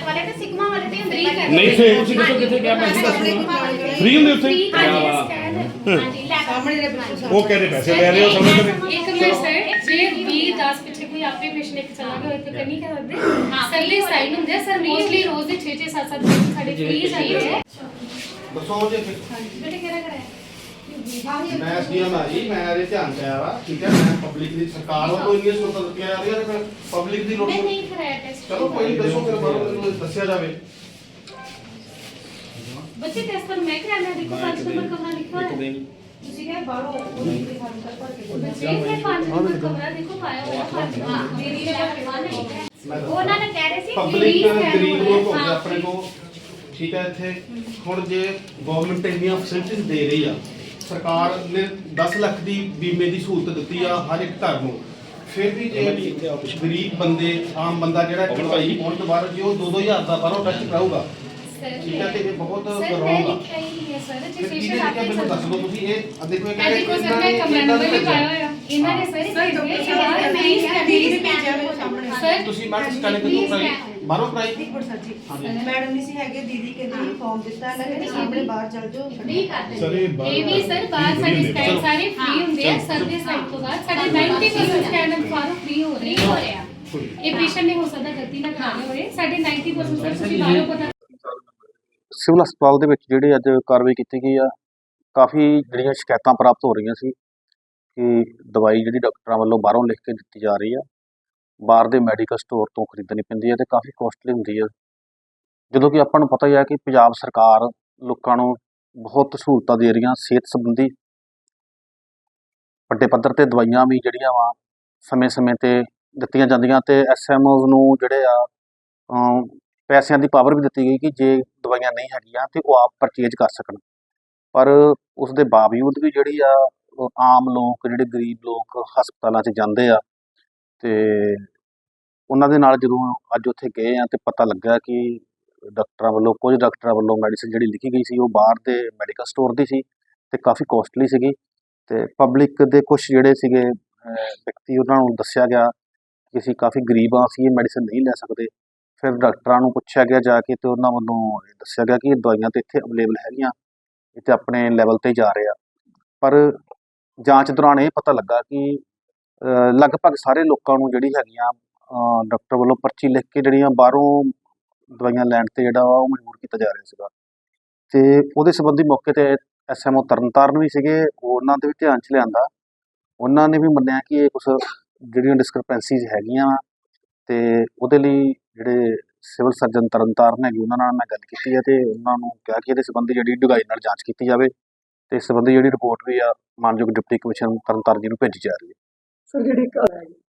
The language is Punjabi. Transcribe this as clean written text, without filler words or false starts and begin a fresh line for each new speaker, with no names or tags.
वाले ते सिग्मा वाले ते हुंदे
नहीं थे ਤੁਸੀਂ ਦੱਸੋ ਕਿੱਥੇ ਗਿਆ ਪੈਸੇ ਫ੍ਰੀ ਹੁੰਦੇ ਉੱਥੇ
ਹਾਂਜੀ ਲੈ ਸਾਹਮਣੇ ਦੇ ਬਿਲकुल
ਉਹ ਕਹਿੰਦੇ ਪੈਸੇ ਲੈ ਰਹੇ ਹੋ ਸਮਝ ਨਹੀਂ
एक मिनट सर जे 20-10 ਪਿੱਛੇ ਕੋਈ ਆਪੇ ਪੇਸ਼ੈਂਟ ਇੱਕ ਚਲਾ ਗਿਆ ਇੱਥੇ ਕਰਨੀ ਕਰ ਸਕਦੇ ਸਰਲੀ ਸਾਈਨ ਹੁੰਦੇ ਆ ਸਰ ਮੋਸਟਲੀ ਰੋਜ਼ ਦੇ 6-6 7-7 ਪੇਸ਼ੈਂਟ ਸਾਡੇ ਫ੍ਰੀ ਜਾਂਦੇ ਆ
ਦੱਸੋ ਜੇ
ਬੇਟੇ ਕਿਹੜਾ ਕਰਾਇਆ
ਮੈਂ ਐਸਡੀਐਮ ਆ ਜੀ ਮੈਂ ਇਹਦੇ ਧਿਆਨ ਚ ਆਇਆ ਵਾ ਠੀਕ ਹੈ ਮੈਂ ਪਬਲਿਕ ਦੀ ਸਰਕਾਰ ਵੱਲੋਂ ਇੰਨੀ ਸਹੂਲਤਾਂ ਦਿੱਤੀਆਂ ਜਾ ਰਹੀਆਂ ਨੇ ਪਬਲਿਕ ਦੀ ਲੋੜ
ਮੈਂ ਨਹੀਂ ਕਰਾਇਆ ਟੈਸਟ
ਚਲੋ ਕੋਈ ਨਹੀਂ ਦੱਸੋ ਫਿਰ ਬਾਹਰੋਂ ਮੈਨੂੰ ਦੱਸਿਆ ਜਾਵੇ
ਬੱਚੇ ਟੈਸਟ ਪਰ ਮੈਂ ਕਰਾਇਆ ਦੇਖੋ 5 ਨੰਬਰ ਕਮਰਾ ਲਿਖਿਆ ਹੋਇਆ
ਤੁਸੀਂ ਕਿਹਾ ਬਾਹਰੋਂ ਉਹਦੀ ਫਾਰਮ ਕਰ ਭਰ ਕੇ
ਬੱਚੇ ਇਹ 5 ਨੰਬਰ ਕਮਰਾ ਦੇਖੋ ਪਾਇਆ ਹੋਇਆ 5
ਹਾਂ ਮੇਰੀ ਲੈਵਲ 1 ਹੈ ਉਹਨਾਂ ਨੇ ਕਹਿ ਰਹੇ ਸੀ
ਪਬਲਿਕ ਗਰੀਬ ਲੋਕ ਹੋ ਗਏ ਆਪਣੇ ਕੋਲ ਠੀਕ ਹੈ ਇੱਥੇ ਹੁਣ ਜੇ ਗਵਰਨਮੈਂਟ ਇੰਨੀਆਂ ਫੈਸਿਲਿਟੀਆਂ ਦੇ ਰਹੀ ਆ ਸਰਕਾਰ ਨੇ 10 ਲੱਖ ਦੀ ਬੀਮੇ ਦੀ ਸਹੂਲਤ ਦਿੱਤੀ ਆ ਹਰ ਇੱਕ ਘਰ ਨੂੰ ਫਿਰ ਵੀ ਜੇ ਗਰੀਬ ਬੰਦੇ ਆਮ ਬੰਦਾ ਜਿਹੜਾ ਭਾਈ ਪਹੁੰਚ ਤੋਂ ਬਾਹਰ ਜੇ ਉਹ 2-2000 ਦਾ ਬਾਹਰੋਂ ਟੈਸਟ ਕਰਾਊਗਾ ਠੀਕ ਹੈ ਤੇ ਇਹ ਬਹੁਤ
ਸਰ
ਰੌਂਗ
ਮੈਂ
ਆ
ਲਿਖਿਆ ਹੀ ਨਹੀਂ ਹੈ ਸਰ ਜੇ
ਫਿਰ
ਪੇਸ਼ੈਂਟ
ਕਿਹਦੇ
ਆਪੇ
ਮੈਨੂੰ ਦੱਸ ਦਿਓ ਤੁਸੀਂ ਇਹ ਦੇਖੋ ਇਹ
ਇਹ ਦੇਖੋ ਸਰ ਮੈਂ ਕਮਰਾ ਨੰਬਰ ਵੀ ਪਾਇਆ ਹੋਇਆ ਇਹਨਾਂ ਨੇ ਸਰ ਸਰ
ਤੁਸੀਂ ਮੈਡਮ ਸਟਾਰਟਿੰਗ ਤੋਂ ਕਰਾਈ ਬਾਹਰੋਂ ਕਰਾਈ
मैडम नहीं सी हैगे दीदी के लिए फॉर्म दिता है ना सामने बाहर चल जाओ
फ्री कर दे
ਸਰ
ਇਹ ਵੀ ਸਰ ਬਾਹਰ ਸਾਡੇ ਸਕੈਨ ਸਾਰੇ ਫ੍ਰੀ ਹੁੰਦੇ ਆ ਸਰ ਦੇ ਸਾਈਡ ਤੋਂ ਬਾਅਦ ਸਾਡੇ 90% ਸਕੈਨ ਬਾਹਰੋਂ ਫ੍ਰੀ ਹੋ ਰਹੇ
ਹੋ ਰਿਹਾ
ਇਹ ਪੇਸ਼ੈਂਟ ਨੇ ਹੋ ਸਕਦਾ ਗਲਤੀ ਨਾਲ ਕਰਾਏ ਹੋਏ ਸਾਡੇ 90% ਸਰ ਤੁਸੀਂ ਬਾਹਰੋਂ ਪਤਾ
ਸਿਵਲ ਹਸਪਤਾਲ ਦੇ ਵਿੱਚ ਜਿਹੜੇ ਅੱਜ ਕਾਰਵਾਈ ਕੀਤੀ ਗਈ ਆ ਕਾਫੀ ਜਿਹੜੀਆਂ ਸ਼ਿਕਾਇਤਾਂ ਪ੍ਰਾਪਤ ਹੋ ਰਹੀਆਂ ਸੀ ਕਿ ਦਵਾਈ ਜਿਹੜੀ ਡਾਕਟਰਾਂ ਵੱਲੋਂ ਬਾਹਰੋਂ ਲਿਖ ਕੇ ਦਿੱਤੀ ਜਾ ਰਹੀ ਆ ਬਾਹਰ ਦੇ ਮੈਡੀਕਲ ਸਟੋਰ ਤੋਂ ਖਰੀਦਣੀ ਪੈਂਦੀ ਹੈ ਤੇ ਕਾਫੀ ਕੋਸਟਲੀ ਹੁੰਦੀ ਹੈ ਜਦੋਂ ਕਿ ਆਪਾਂ ਨੂੰ ਪਤਾ ਹੀ ਹੈ ਕਿ ਪੰਜਾਬ ਸਰਕਾਰ ਲੋਕਾਂ ਨੂੰ ਬਹੁਤ ਸਹੂਲਤਾਂ ਦੇ ਰਹੀਆਂ ਸਿਹਤ ਸੰਬੰਧੀ ਵੱਡੇ ਪੱਧਰ ਤੇ ਦਵਾਈਆਂ ਵੀ ਜਿਹੜੀਆਂ ਵਾ ਸਮੇਂ-ਸਮੇਂ ਤੇ ਦਿੱਤੀਆਂ ਜਾਂਦੀਆਂ ਤੇ ਐਸਐਮਓਜ਼ ਨੂੰ ਜਿਹੜੇ ਆ ਪੈਸਿਆਂ ਦੀ ਪਾਵਰ ਵੀ ਦਿੱਤੀ ਗਈ ਕਿ ਜੇ ਦਵਾਈਆਂ ਨਹੀਂ ਹੈਗੀਆਂ ਤੇ ਉਹ ਆਪ ਪਰਚੇਜ ਕਰ ਸਕਣ ਪਰ ਉਸ ਦੇ ਬਾਵਜੂਦ ਵੀ ਜਿਹੜੀ ਆ ਆਮ ਲੋਕ ਜਿਹੜੇ ਗਰੀਬ ਲੋਕ ਹਸਪਤਾਲਾਂ 'ਚ ਜਾਂਦੇ ਆ ਤੇ ਉਹਨਾਂ ਦੇ ਨਾਲ ਜਦੋਂ ਅੱਜ ਉੱਥੇ ਗਏ ਆ ਤੇ ਪਤਾ ਲੱਗਾ ਕਿ ਕੁਝ ਡਾਕਟਰਾਂ ਵੱਲੋਂ ਮੈਡੀਸਿਨ ਜਿਹੜੀ ਲਿਖੀ ਗਈ ਸੀ ਉਹ ਬਾਹਰ ਦੇ ਮੈਡੀਕਲ ਸਟੋਰ ਦੀ ਸੀ ਤੇ ਕਾਫੀ ਕੋਸਟਲੀ ਸੀਗੀ ਤੇ ਪਬਲਿਕ ਦੇ ਕੁਝ ਜਿਹੜੇ ਸੀਗੇ ਵਿਅਕਤੀ ਉਹਨਾਂ ਨੂੰ ਦੱਸਿਆ ਗਿਆ ਕਿ ਅਸੀਂ ਕਾਫੀ ਗਰੀਬ ਆ ਅਸੀਂ ਇਹ ਮੈਡੀਸਿਨ ਨਹੀਂ ਲੈ ਸਕਦੇ ਫਿਰ ਡਾਕਟਰਾਂ ਨੂੰ ਪੁੱਛਿਆ ਗਿਆ ਜਾ ਕੇ ਤੇ ਉਹਨਾਂ ਵੱਲੋਂ ਦੱਸਿਆ ਗਿਆ ਕਿ ਇਹ ਦਵਾਈਆਂ ਤੇ ਇੱਥੇ ਅਵੇਲੇਬਲ ਹੈਗੀਆਂ ਇਹ ਤੇ ਆਪਣੇ ਲੈਵਲ ਤੇ ਜਾ ਰਹੇ ਆ ਪਰ ਜਾਂਚ ਦੌਰਾਨ ਇਹ ਪਤਾ ਲੱਗਾ ਕਿ ਲਗਭਗ ਸਾਰੇ ਲੋਕਾਂ ਨੂੰ ਜਿਹੜੀ ਹੈਗੀਆਂ ਡਾਕਟਰ ਵੱਲੋਂ ਪਰਚੀ ਲਿਖ ਕੇ ਜਿਹੜੀਆਂ ਬਾਹਰੋਂ ਦਵਾਈਆਂ ਲੈਣ ਤੇ ਜਿਹੜਾ ਵਾ ਉਹ ਮਜਬੂਰ ਕੀਤਾ ਜਾ ਰਿਹਾ ਸੀਗਾ ਤੇ ਉਹਦੇ ਸੰਬੰਧੀ ਮੌਕੇ ਤੇ ਐਸਐਮਓ ਤਰਨਤਾਰਨ ਵੀ ਸੀਗੇ ਉਹਨਾਂ ਦੇ ਵੀ ਧਿਆਨ 'ਚ ਲਿਆਂਦਾ ਉਹਨਾਂ ਨੇ ਵੀ ਮੰਨਿਆ ਕਿ ਇਹ ਕੁਝ ਜਿਹੜੀਆਂ ਡਿਸਕ੍ਰਿਪੈਂਸੀਜ਼ ਹੈਗੀਆਂ ਤੇ ਉਹਦੇ ਲਈ ਜਿਹੜੇ ਸਿਵਲ ਸਰਜਨ ਤਰਨਤਾਰਨ ਹੈਗੇ ਉਹਨਾਂ ਨਾਲ ਮੈਂ ਗੱਲ ਕੀਤੀ ਹੈ ਤੇ ਉਹਨਾਂ ਨੂੰ ਕਿਹਾ ਕਿ ਇਹਦੇ ਸੰਬੰਧੀ ਜਿਹੜੀ ਡੂੰਘਾਈ ਨਾਲ ਜਾਂਚ ਕੀਤੀ ਜਾਵੇ ਤੇ ਇਸ ਸੰਬੰਧੀ ਜਿਹੜੀ ਰਿਪੋਰਟ ਵੀ ਆ ਮਾਨਯੋਗ ਡਿਪਟੀ ਕਮਿਸ਼ਨਰ ਤਰਨਤਾਰਨ ਜੀ ਨੂੰ ਭੇਜੀ ਜਾ ਰਹੀ ਹੈ
सर जेडी